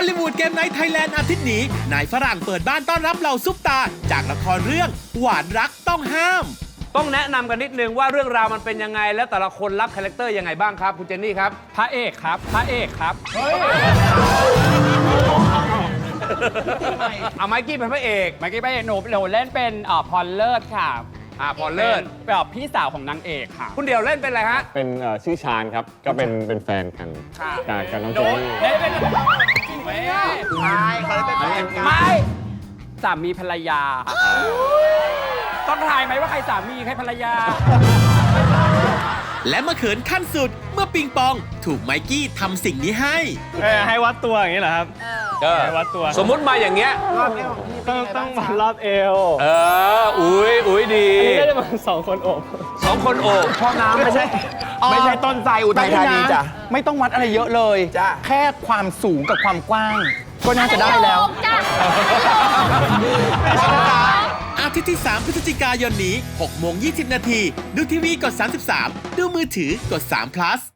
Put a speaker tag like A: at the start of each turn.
A: ลิวูดเกมไนท์ไทยแลนด์อาทิตย์นี้นายฝรั่งเปิดบ้านต้อนรับเหล่าซุปตาจากละครเรื่องหวานรักต้องห้าม
B: ต้องแนะนำกันนิดนึงว่าเรื่องราวมันเป็นยังไง และแต่ละคนรับคาแรคเตอร์ยังไงบ้างครับคุณเจนนี่ครับ
C: พระเอกครับ พระเอกครับ
B: เอาไมค์กี้เป็นพระเอก
C: เมื่อกี้พระเอกหนูเล่นเป็นพรเลิศค่ะ
B: พอเลิศ
C: เป็นแบบพี่สาวของนางเอกค่ะ
B: คุณเดี่ยวเล่นเป็นอะไรฮะ
D: เป็นชื่อชาญครับ ก็เป็นแฟนกันกับน้องเจนนี่
C: เล่นเป็นจริงไหมไม่สามีภรรยา ต้องทายไหมว่าใครสามีใครภรรยา
A: และมาเขินขั้นสุดเมื่อปิงปองถูกไมกี้ทำสิ่งนี้ให้
E: ให้วัดตัวอย่างนี้เหรอครับ ให้วัดตัว
B: สมมุติมาอย่างเงี้ย
E: ต้องวัดรอบเอว
B: อุ้ยดี
E: อันนี้ก็จะเป็น2 คนโอบ
B: 2 คนโอบ
F: พ่อน้ำไม่ใช่ต้นไทรอุทัยธานีจ้ะไม่ต้องวัดอะไรเยอะเลยแค่ความสูงกับความกว้าง ก็น่าจะได้แล้ว
A: อาทิตย์ที่ 3 พฤศจิกายนนี้ 6:20 น. ดูทีวีกด 33 ดูมือถือกด3 plus